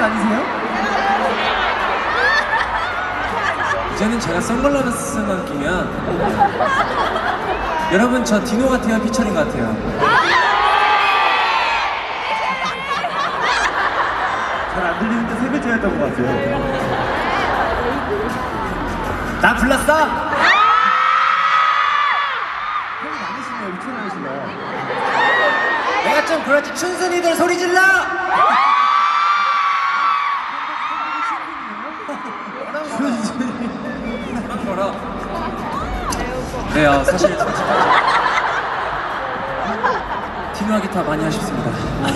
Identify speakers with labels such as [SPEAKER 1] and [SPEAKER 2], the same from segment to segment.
[SPEAKER 1] 씨 아니세요?
[SPEAKER 2] 이제는 제가 선글라스 쓰는 느낌이야. 여러분 저 디노 같아요? 피처링 같아요?
[SPEAKER 1] 잘 안 들리는데 세 글자였던 것 같아요.
[SPEAKER 2] 나 불렀어?
[SPEAKER 1] 형이 많으시네요. 미쳐나시네요.
[SPEAKER 2] 내가 좀 그렇지. 춘순이들 소리 질러! 뭐라? 네, 사실 디노와 기타 많이 하셨습니다.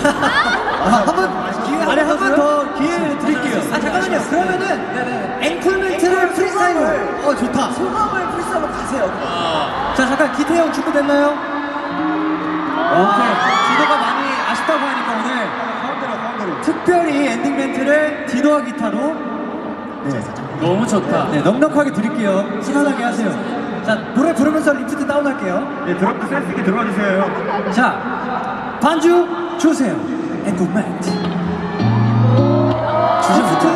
[SPEAKER 1] 한 번 더 기회를 드릴게요. 잠깐만요. 그러면은 앵콜 멘트를 프리스타일로. 좋다. 소감을 프리스타일로 가세요. 자, 잠깐 기태형 준비됐나요? 오케이. 디노가 많이 아쉽다고 하니까 오늘 가운데로. 특별히 엔딩 멘트를 디노와 기타로
[SPEAKER 2] 너무 좋다.
[SPEAKER 1] 네, 넉넉하게 드릴게요. 시원하게 하세요. 자, 노래 부르면서 리프트 다운할게요. 네, 드럼도 센스 있게 들어와 주세요. 자, 반주 주세요. 앵콜 멘트. 리프트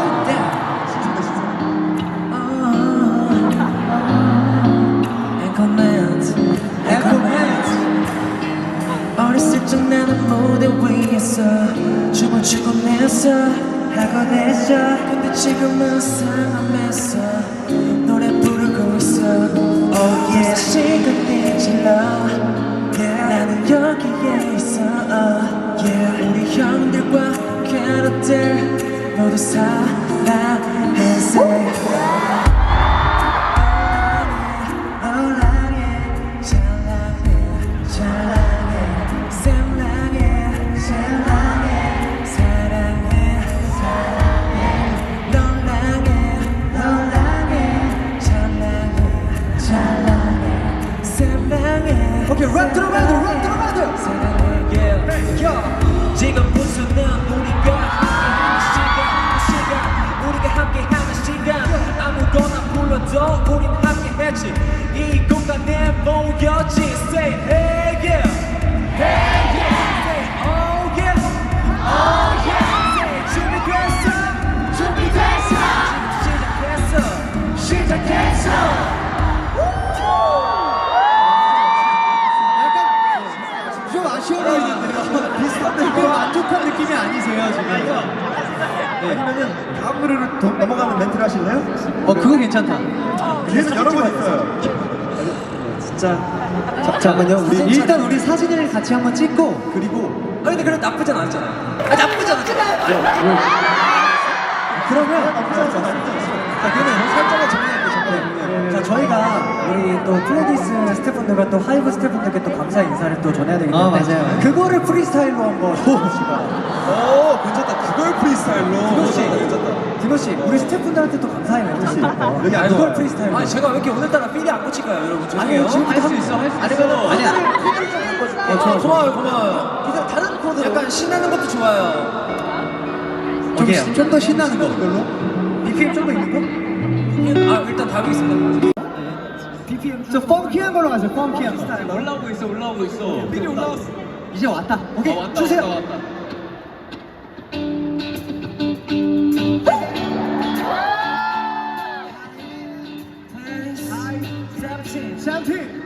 [SPEAKER 3] 어렸을 적 나는 무대 위에서 춤을 추곤 했어 하곤 했어. 근데 지금은 상암에서 노래 부르고 있어. Oh yeah. 시간이 질러 나는 여기에 있어. Yeah. 우리 형들과 캐럿들 모두 사랑해서
[SPEAKER 1] 오케이, 랩 들어가야 돼.
[SPEAKER 3] 지금 무슨 우리가 함께하는 시간 아무거나 불러도 우린 함께했지. 이 공간에 모였지. Say hey yeah, hey yeah, say oh yeah, oh yeah. Say 준비됐어. 시작했어.
[SPEAKER 1] 좀 아쉬워 보이는데요. 비슷한데 그 만족한 느낌이 아니세요 지금? 네. 아니면은 다음 노래로 넘어가는 멘트를 하실래요? 그거 괜찮다. 뒤에서 여러 번 있어요. 진짜. 잠깐만요. 일단 우리 사진을 같이 한번 찍고 그리고.
[SPEAKER 2] 근데 그래 나쁘진 않았잖아. 나쁘지 않았잖아.
[SPEAKER 1] 그러면 나쁘지 않았어. 자, 그러면 살짝만 정리할게요. 자, 저희가 우리 또 플레디스 스태프분들과 또 하이브 스태프분들께 또 감사 인사를 또 전해야 되기 때문에
[SPEAKER 2] 맞아요.
[SPEAKER 1] 그거를 프리스타일로 한번 해봅시다.
[SPEAKER 4] 오, 괜찮다. 그걸 프리스타일로.
[SPEAKER 1] 디노 씨, 우리 스태프분들한테 또 감사의 멘트
[SPEAKER 4] 여기 안
[SPEAKER 1] 그걸
[SPEAKER 4] 좋아요.
[SPEAKER 1] 프리스타일로.
[SPEAKER 2] 아니 제가 왜 이렇게 오늘따라 필이 안 꽂힐까요, 여러분? 죄송해요.
[SPEAKER 1] 지금부터 할 수 있어. 아니야.
[SPEAKER 2] 고마워요.
[SPEAKER 1] 이제 다른 코드로.
[SPEAKER 2] 약간 신나는 것도 좋아요.
[SPEAKER 1] 좀 더 신나는 거. 그걸로? BPM 좀 더 있는 거?
[SPEAKER 2] 일단 답이겠습니다.
[SPEAKER 1] BPM 좀 펑키한 걸로 가세요. 펑키한 거.
[SPEAKER 2] 올라오고 있어. 필이 올라왔어.
[SPEAKER 1] 이제 왔다. 오케이, 주세요. 샴틴.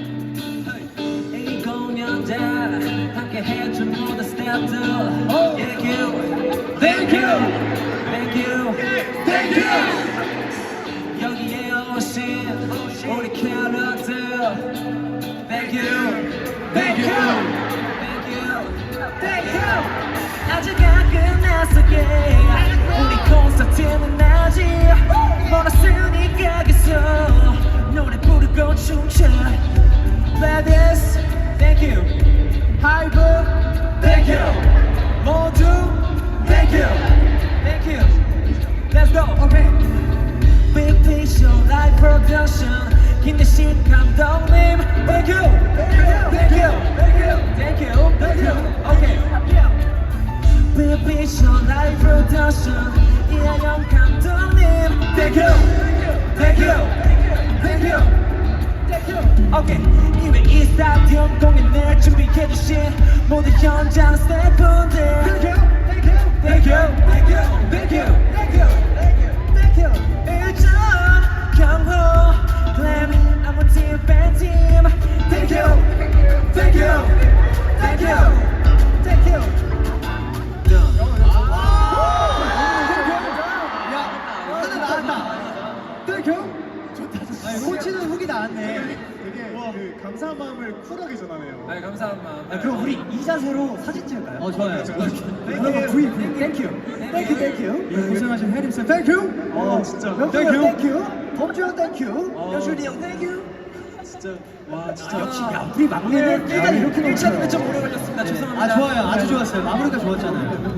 [SPEAKER 3] 이 공연장 함께 해준 모든 스태프들 Thank you, thank you, thank you, thank you. 여기에 오신 우리 캐럿들 Thank you, thank you, thank you, thank you. 아직 안 끝났어 yeah. 우리 콘서트는 아직 멀었으니까 계속 노래 부르고 춤춰. Ladies, thank you. Hype, thank you. 모두, thank you. Thank you. Let's go. Okay. Big picture, live production. 김대신 감독님, thank you. Thank you. Thank you. Thank you. Thank you. Okay. Big picture, live production. 이하영 감독님, thank you. Thank you. Thank you. Okay. 이외 이 스타디움 공연을 준비해주신 모든 현장 스태프분들 Thank you, thank you. thank you, thank you, thank you, thank you, thank you. 일정 경호, glam, I'm a team, bad team. Thank you, thank you, thank you, thank you.
[SPEAKER 1] 하나 나왔다. 땡큐. 좋다. 꽂히는 훅이 나왔네.
[SPEAKER 4] 되게 그 감사한 마음을 쿨하게 전하네요.
[SPEAKER 3] 네, 감사한 마음.
[SPEAKER 1] 그럼 우리 이 자세로 사진 찍을까요? 좋아요.
[SPEAKER 4] 땡큐.
[SPEAKER 1] 땡큐. 땡큐. 고생하신 해림쌤 땡큐.
[SPEAKER 4] 진짜.
[SPEAKER 1] 땡큐. 범주 형 땡큐. 여준이 형 땡큐.
[SPEAKER 4] 진짜. 와, 진짜.
[SPEAKER 1] 역시 야 우리 막내는 일단 이렇게
[SPEAKER 3] 1차는 좀 오래 걸렸습니다. 죄송합니다.
[SPEAKER 1] 좋아요. 아주 좋았어요. 마무리가 좋았잖아요.